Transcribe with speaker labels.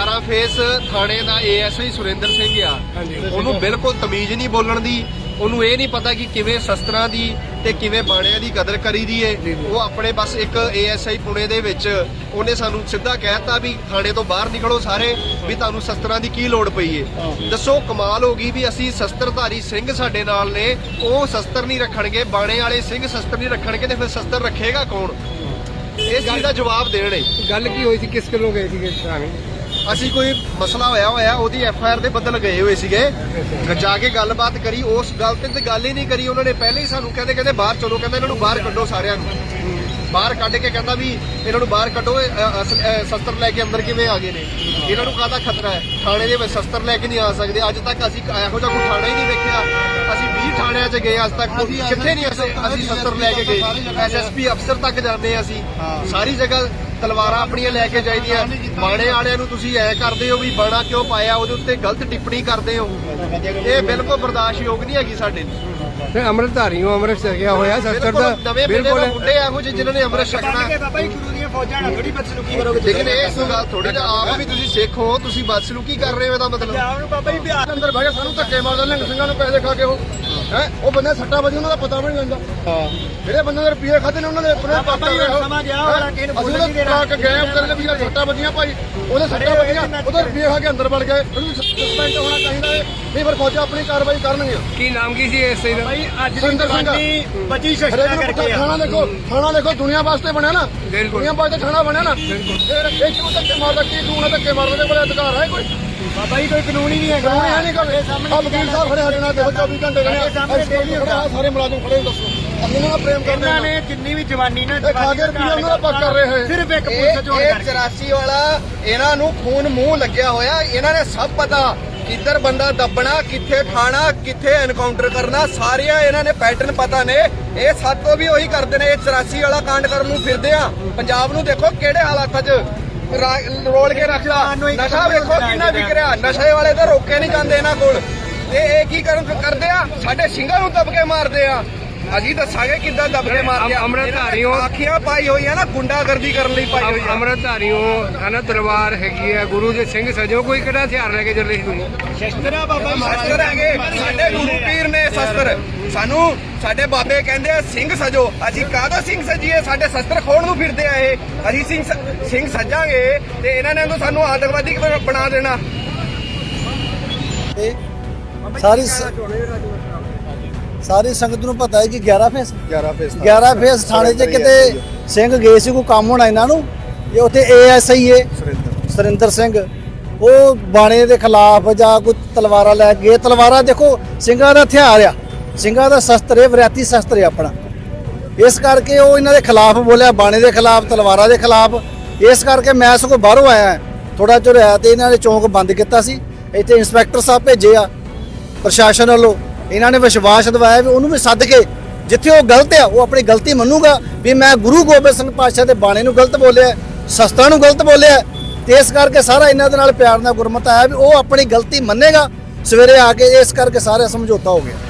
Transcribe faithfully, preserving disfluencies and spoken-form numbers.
Speaker 1: ग्यारह फेस थाने का A S I Surendra Singh आ, ਉਹਨੂੰ ਬਿਲਕੁਲ ਤਮੀਜ਼ ਨਹੀਂ ਬੋਲਣ ਦੀ। ਉਹਨੂੰ ਇਹ ਨਹੀਂ ਪਤਾ ਕਿ ਕਿਵੇਂ ਸ਼ਸਤਰਾਂ ਦੀ ਤੇ ਕਿਵੇਂ ਬਾਣਿਆਂ ਦੀ ਕਦਰ ਕਰੀਦੀ ਏ। ਉਹ ਆਪਣੇ ਬਸ ਇੱਕ ਏ ਐਸ ਆਈ ਪੁਣੇ ਦੇ ਵਿੱਚ ਉਹਨੇ ਸਾਨੂੰ ਸਿੱਧਾ ਕਹਿਤਾ ਵੀ ਥਾਣੇ ਤੋਂ ਬਾਹਰ ਨਿਕਲੋ ਸਾਰੇ, ਵੀ ਤੁਹਾਨੂੰ ਸ਼ਸਤਰਾਂ ਦੀ ਕੀ ਲੋੜ ਪਈ ਏ। ਦੱਸੋ ਕਮਾਲ ਹੋ ਗਈ ਵੀ ਅਸੀਂ ਸ਼ਸਤਰਧਾਰੀ ਸਿੰਘ ਸਾਡੇ ਨਾਲ ਨੇ, ਉਹ ਸ਼ਸਤਰ ਨਹੀਂ ਰੱਖਣਗੇ, ਬਾਣੇ ਵਾਲੇ ਸਿੰਘ ਸ਼ਸਤਰ ਨਹੀਂ ਰੱਖਣਗੇ ਤੇ ਫਿਰ ਸ਼ਸਤਰ ਰੱਖੇਗਾ ਕੌਣ? ਇਸ ਚੀਜ਼ ਦਾ ਜਵਾਬ ਦੇਣ।
Speaker 2: ਗੱਲ ਕੀ ਹੋਈ ਸੀ, ਕਿਸ ਕਿਲੋ ਗਏ ਸੀਗੇ ਥਾਣੇ?
Speaker 1: ਅਸੀਂ ਕੋਈ ਮਸਲਾ ਹੋਇਆ ਹੋਇਆ ਉਹਦੀ ਐਫ ਆਈ ਆਰ ਦੇ ਬਦਲ ਗਏ ਹੋਏ ਸੀਗੇ, ਜਾ ਕੇ ਗੱਲਬਾਤ ਕਰੀ, ਉਸ ਗੱਲ ਤੇ ਤੇ ਗੱਲ ਹੀ ਨਹੀਂ ਕਰੀ। ਉਹਨਾਂ ਨੇ ਪਹਿਲੇ ਹੀ ਸਾਨੂੰ ਕਹਿੰਦੇ ਕਹਿੰਦੇ ਬਾਹਰ ਚਲੋ, ਕਹਿੰਦਾ ਇਹਨਾਂ ਨੂੰ ਬਾਹਰ ਕੱਢੋ, ਸਾਰਿਆਂ ਨੂੰ ਬਾਹਰ ਕੱਢ ਕੇ ਕਹਿੰਦਾ ਵੀ ਇਹਨਾਂ ਨੂੰ ਬਾਹਰ ਕੱਢੋ, ਸ਼ਸਤਰ ਲੈ ਕੇ ਅੰਦਰ ਕਿਵੇਂ ਆ ਗਏ ਨੇ, ਇਹਨਾਂ ਨੂੰ ਕਾਹਦਾ ਖਤਰਾ ਹੈ, ਥਾਣੇ ਦੇ ਵਿੱਚ ਸ਼ਸਤਰ ਲੈ ਕੇ ਨਹੀਂ ਆ ਸਕਦੇ। ਅੱਜ ਤੱਕ ਅਸੀਂ ਇਹੋ ਜਿਹਾ ਕੋਈ ਥਾਣਾ ਹੀ ਨਹੀਂ ਵੇਖਿਆ। ਅਸੀਂ ਵੀਹ ਥਾਣਿਆਂ 'ਚ ਗਏ, ਅੱਜ ਤੱਕ ਕਿੱਥੇ ਨਹੀਂ ਅਸੀਂ ਅਸੀਂ ਸ਼ਸਤਰ ਲੈ ਕੇ ਗਏ। ਐਸ ਐਸ ਪੀ ਅਫਸਰ ਤੱਕ ਜਾਂਦੇ ਹਾਂ ਅਸੀਂ, ਸਾਰੀ ਜਗ੍ਹਾ ਤਲਵਾਰਾਂ ਆਪਣੀਆਂ ਲੈ ਕੇ ਜਾਈਦੀਆਂ। ਬਾਣੇ ਵਾਲਿਆਂ ਨੂੰ ਤੁਸੀਂ ਐ ਕਰਦੇ ਹੋ ਵੀ ਬਾਣਾ ਕਿਉਂ ਪਾਇਆ, ਉਹਦੇ ਉੱਤੇ ਗਲਤ ਟਿੱਪਣੀ ਕਰਦੇ ਹੋ, ਇਹ ਬਿਲਕੁਲ ਬਰਦਾਸ਼ਤਯੋਗ ਨਹੀਂ ਹੈਗੀ ਸਾਡੇ ਲਈ।
Speaker 2: ਤੇ ਅੰਮ੍ਰਿਤਧਾਰੀਓ ਅੰਮ੍ਰਿਤ ਛਕਿਆ ਹੋਇਆ ਸ਼ਸਤਰ ਦਾ
Speaker 1: ਨਵੇਂ ਬਿਲਕੁਲ ਮੁੰਡੇ ਇਹੋ ਜਿਹੇ ਜਿਨ੍ਹਾਂ ਨੇ ਅੰਮ੍ਰਿਤ ਛਕਣਾ।
Speaker 3: ਬਾਬਾ ਜੀ ਗੁਰੂ ਦੀਆਂ ਫੌਜਾਂ ਨਾਲ ਥੋੜੀ ਬਦਸਲੂਕੀ ਕਰੋਗੇ।
Speaker 1: ਲੇਕਿਨ ਇਹ ਗੱਲ ਥੋੜੀ ਜਿਹਾ ਆਪ ਵੀ ਤੁਸੀਂ ਸਿੱਖ ਹੋ, ਤੁਸੀਂ ਬਦਸਲੂਕੀ ਕਰ ਰਹੇ ਹੋ, ਇਹਦਾ ਮਤਲਬ
Speaker 3: ਪੰਜਾਬ ਨੂੰ ਬਾਬਾ ਜੀ ਬਿਹਾਰ
Speaker 4: ਅੰਦਰ ਬਹਿ ਕੇ ਸਾਨੂੰ ਧੱਕੇ ਮਾਰਦੇ ਨੇ, ਸਿੰਘਾਂ ਨੂੰ ਪੈਸੇ ਖਾ ਕੇ ਉਹ ਹੈ ਉਹ ਬੰਦੇ ਸੱਟਾ ਵਜੇ ਉਹਨਾਂ ਦਾ ਪਤਾ ਵੀ ਨਹੀਂ ਲੈਂਦਾ। ਜਿਹੜੇ ਬੰਦੇ ਦੇ ਰੁਪਏ ਖਾਦੇ ਨੇ ਉਹਨਾਂ ਨੇ ਆਪਣੇ
Speaker 3: ਬਾਬਾ ਜੀ ਸਮਾਂ ਗਿਆ ਹੋਣਾ, ਕਿਸੇ ਨੂੰ ਬੋਲਣ ਨਹੀਂ ਦੇਣਾ।
Speaker 4: ਅਸੀਂ ਗਏ ਉੱਤਰ ਵੀ ਸੱਟਾ ਵੱਜੀਆਂ ਭਾਈ, ਉਹਦੇ ਸੱਟਾ ਵੱਜੀਆਂ, ਉਹਦੇ ਰੁਪਏ ਖਾ ਕੇ ਅੰਦਰ ਵੜ ਗਏ। ਉਹਨੂੰ ਸਸਪੈਂਡ ਹੋਣਾ ਚਾਹੀਦਾ ਹੈ, ਨਹੀਂ ਫਿਰ ਫੌਜਾਂ ਆਪਣੀ ਕਾਰਵਾਈ ਕਰਨਗੀਆਂ।
Speaker 2: ਕੀ ਨਾਮ ਕੀ ਸੀ ਇਸ ਦਾ?
Speaker 3: ਭਾਈ ਅੱਜ ਦੀ ਜਵਾਨੀ ਬਚੀ ਸ਼ਸਤਰਾਂ ਕਰਕੇ ਆ।
Speaker 4: ਥਾਣਾ ਦੇਖੋ, ਥਾਣਾ ਦੇਖੋ ਦੁਨੀਆ ਵਾਸਤੇ ਬਣਿਆ ਨਾ, ਦੁਨੀਆ ਵਾਸਤੇ ਥਾਣਾ ਬਣਿਆ ਨਾ। ਫਿਰ ਇਹ ਕਿਉਂ ਧੱਕੇ ਮਾਰਦਾ, ਕੀ ਤੂੰ ਨਾ ਧੱਕੇ ਮਾਰਦੇ, ਉਹਦੇ ਕੋਲ ਅਧਿਕਾਰ ਹੈ ਕੋਈ?
Speaker 3: ਬਾਬਾ ਜੀ ਕੋਈ ਕਾਨੂੰਨ ਹੀ ਨਹੀਂ ਹੈਗਾ।
Speaker 4: ਕਾਨੂੰਨ ਹੈ ਨਹੀਂ ਕੋਈ। ਆ ਵਕੀਲ ਸਾਹਿਬ ਖੜੇ ਸਾਡੇ ਨਾਲ ਦੇਖੋ, ਚੌਵੀ ਘੰਟੇ ਖੜੇ, ਸਾਰੇ ਮੁਲਾਜ਼ਮ ਖੜੇ, ਦੱਸੋ ਅਸੀਂ ਇਹਨਾਂ ਦਾ ਪ੍ਰੇਮ ਕਰਦੇ
Speaker 3: ਇਹਨਾਂ ਨੇ ਜਿੰਨੀ ਵੀ ਜਵਾਨੀ ਨਾ
Speaker 4: ਇਹ ਖਾ ਕੇ ਰੁਪਏ ਉਹਨਾਂ ਦਾ ਪੱਕ ਕਰ ਰਹੇ ਹੈ।
Speaker 3: ਸਿਰਫ ਇੱਕ ਪੁਲਿਸ ਚੋਣ ਕਰਕੇ।
Speaker 1: ਚੁਰਾਸੀ ਵਾਲਾ ਇਹਨਾਂ ਨੂੰ ਖੂਨ ਮੂੰਹ ਲੱਗਿਆ ਹੋਇਆ, ਇਹਨਾਂ ਨੇ ਸਭ ਪਤਾ ਕਿੱਧਰ ਬੰਦਾ ਦੱਬਣਾ, ਕਿੱਥੇ ਠਾਣਾ, ਕਿੱਥੇ ਐਨਕਾਊਂਟਰ ਕਰਨਾ, ਸਾਰੀਆਂ ਇਹਨਾਂ ਨੇ ਪੈਟਰਨ ਪਤਾ ਨੇ। ਇਹ ਸਾਤੋਂ ਵੀ ਉਹੀ ਕਰਦੇ ਨੇ, ਇਹ ਚੁਰਾਸੀ ਵਾਲਾ ਕਾਂਡ ਕਰਨ ਨੂੰ ਫਿਰਦੇ ਆ। ਪੰਜਾਬ ਨੂੰ ਦੇਖੋ ਕਿਹੜੇ ਹਾਲਾਤਾਂ 'ਚ ਰੋਲ ਕੇ ਰੱਖਦਾ। ਨਸ਼ਾ ਵੇਖੋ ਕਿੰਨਾ ਵਿਕ ਰਿਹਾ, ਨਸ਼ੇ ਵਾਲੇ ਤਾਂ ਰੋਕੇ ਨਹੀਂ ਜਾਂਦੇ ਇਹਨਾਂ ਕੋਲ। ਤੇ ਇਹ ਕੀ ਕਰਨ ਕਰਦੇ ਆ, ਸਾਡੇ ਸਿੰਘਾਂ ਨੂੰ ਦਬ ਕੇ ਮਾਰਦੇ ਆ। ਅਸੀਂ ਦੱਸਾਂਗੇ ਕਿੱਦਾਂ ਦਬ ਕੇ ਮਾਰਦੇ ਆ।
Speaker 2: ਅੰਮ੍ਰਿਤਧਾਰੀਓ
Speaker 1: ਆਖੀਆਂ ਪਾਈ ਹੋਈ ਆ ਨਾ, ਗੁੰਡਾਗਰਦੀ ਕਰਨ ਲਈ ਪਾਈ ਹੋਈ ਆ।
Speaker 2: ਅੰਮ੍ਰਿਤਧਾਰੀਓ ਹਨਾ ਤਲਵਾਰ ਹੈਗੀ ਆ, ਗੁਰੂ ਦੇ ਸਿੰਘ ਸਜੋ, ਕੋਈ ਕਿਹੜਾ ਹਥਿਆਰ ਲੈ ਕੇ ਚੱਲੇ ਸੀ ਤੁਸੀਂ?
Speaker 3: ਸ਼ਸਤਰਾ ਬਾਬਾ ਜੀ
Speaker 1: ਸ਼ਸਤਰ ਹੈਗੇ ਸਾਡੇ ਗੁਰੂ ਪੀਰ ਨੇ ਸ਼ਸਤਰ। ਸਾਨੂੰ ਸਾਡੇ ਬਾਬੇ ਕਹਿੰਦੇ ਆ ਸਿੰਘ ਸਜੋ, ਅਸੀਂ ਕਾਹਦਾ ਸਿੰਘ ਸਜੀਏ? ਸਾਡੇ ਸ਼ਸਤਰ ਖੋਣ ਨੂੰ ਫਿਰਦੇ ਆ ਇਹ। ਅਸੀਂ ਸਿੰਘ ਸਿੰਘ ਸਜਾਂਗੇ ਤੇ ਇਹਨਾਂ ਨੇ ਸਾਨੂੰ ਆਤੰਕਵਾਦੀ ਬਣਾ ਦੇਣਾ।
Speaker 5: ਸਾਰੀ ਸਾਰੀ ਸੰਗਤ ਨੂੰ ਪਤਾ ਹੈ ਕਿ ਗਿਆਰਾਂ ਫੇਸ
Speaker 4: ਗਿਆਰਾਂ ਫੇਸ
Speaker 5: ਗਿਆਰਾਂ ਫੇਸ ਥਾਣੇ 'ਚ ਕਿਤੇ ਸਿੰਘ ਗਏ ਸੀ, ਕੋਈ ਕੰਮ ਹੋਣਾ ਇਹਨਾਂ ਨੂੰ। ਇਹ ਉੱਥੇ ਏ ਐਸ ਆਈ ਏ ਸੁਰਿੰਦਰ ਸਿੰਘ, ਉਹ ਬਾਣੇ ਦੇ ਖਿਲਾਫ ਜਾਂ ਕੋਈ ਤਲਵਾਰਾਂ ਲੈ ਕੇ ਗਏ। ਤਲਵਾਰਾਂ ਦੇਖੋ ਸਿੰਘਾਂ ਦਾ ਹਥਿਆਰ ਆ, ਸਿੰਘਾਂ ਦਾ ਸ਼ਸਤਰ ਹੈ, ਵਰਿਆਤੀ ਸ਼ਸਤਰ ਹੈ ਆਪਣਾ। ਇਸ ਕਰਕੇ ਉਹ ਇਹਨਾਂ ਦੇ ਖਿਲਾਫ ਬੋਲਿਆ, ਬਾਣੇ ਦੇ ਖਿਲਾਫ, ਤਲਵਾਰਾਂ ਦੇ ਖਿਲਾਫ। ਇਸ ਕਰਕੇ ਮੈਂ ਸਗੋਂ ਬਾਹਰੋਂ ਆਇਆ, ਥੋੜਾ ਚਿਰ ਹੋਇਆ ਤੇ ਇਹਨਾਂ ਨੇ ਚੌਂਕ ਬੰਦ ਕੀਤਾ ਸੀ। ਇੱਥੇ ਇੰਸਪੈਕਟਰ ਸਾਹਿਬ ਭੇਜੇ ਆ ਪ੍ਰਸ਼ਾਸਨ ਵੱਲੋਂ। ਇਹਨਾਂ ਨੇ ਵਿਸ਼ਵਾਸ ਦਿਵਾਇਆ ਵੀ ਉਹਨੂੰ ਵੀ ਸੱਦ ਕੇ, ਜਿੱਥੇ ਉਹ ਗਲਤ ਆ ਉਹ ਆਪਣੀ ਗਲਤੀ ਮੰਨੂਗਾ ਵੀ ਮੈਂ ਗੁਰੂ ਗੋਬਿੰਦ ਸਿੰਘ ਪਾਤਸ਼ਾਹ ਦੇ ਬਾਣੇ ਨੂੰ ਗਲਤ ਬੋਲਿਆ, ਸ਼ਸਤਰਾਂ ਨੂੰ ਗਲਤ ਬੋਲਿਆ। ਤੇ ਇਸ ਕਰਕੇ ਸਾਰਾ ਇਹਨਾਂ ਦੇ ਨਾਲ ਪਿਆਰ ਨਾਲ ਗੁਰਮਤ ਆਇਆ ਵੀ ਉਹ ਆਪਣੀ ਗਲਤੀ ਮੰਨੇਗਾ ਸਵੇਰੇ ਆ ਕੇ। ਇਸ ਕਰਕੇ ਸਾਰਾ ਸਮਝੌਤਾ ਹੋ ਗਿਆ।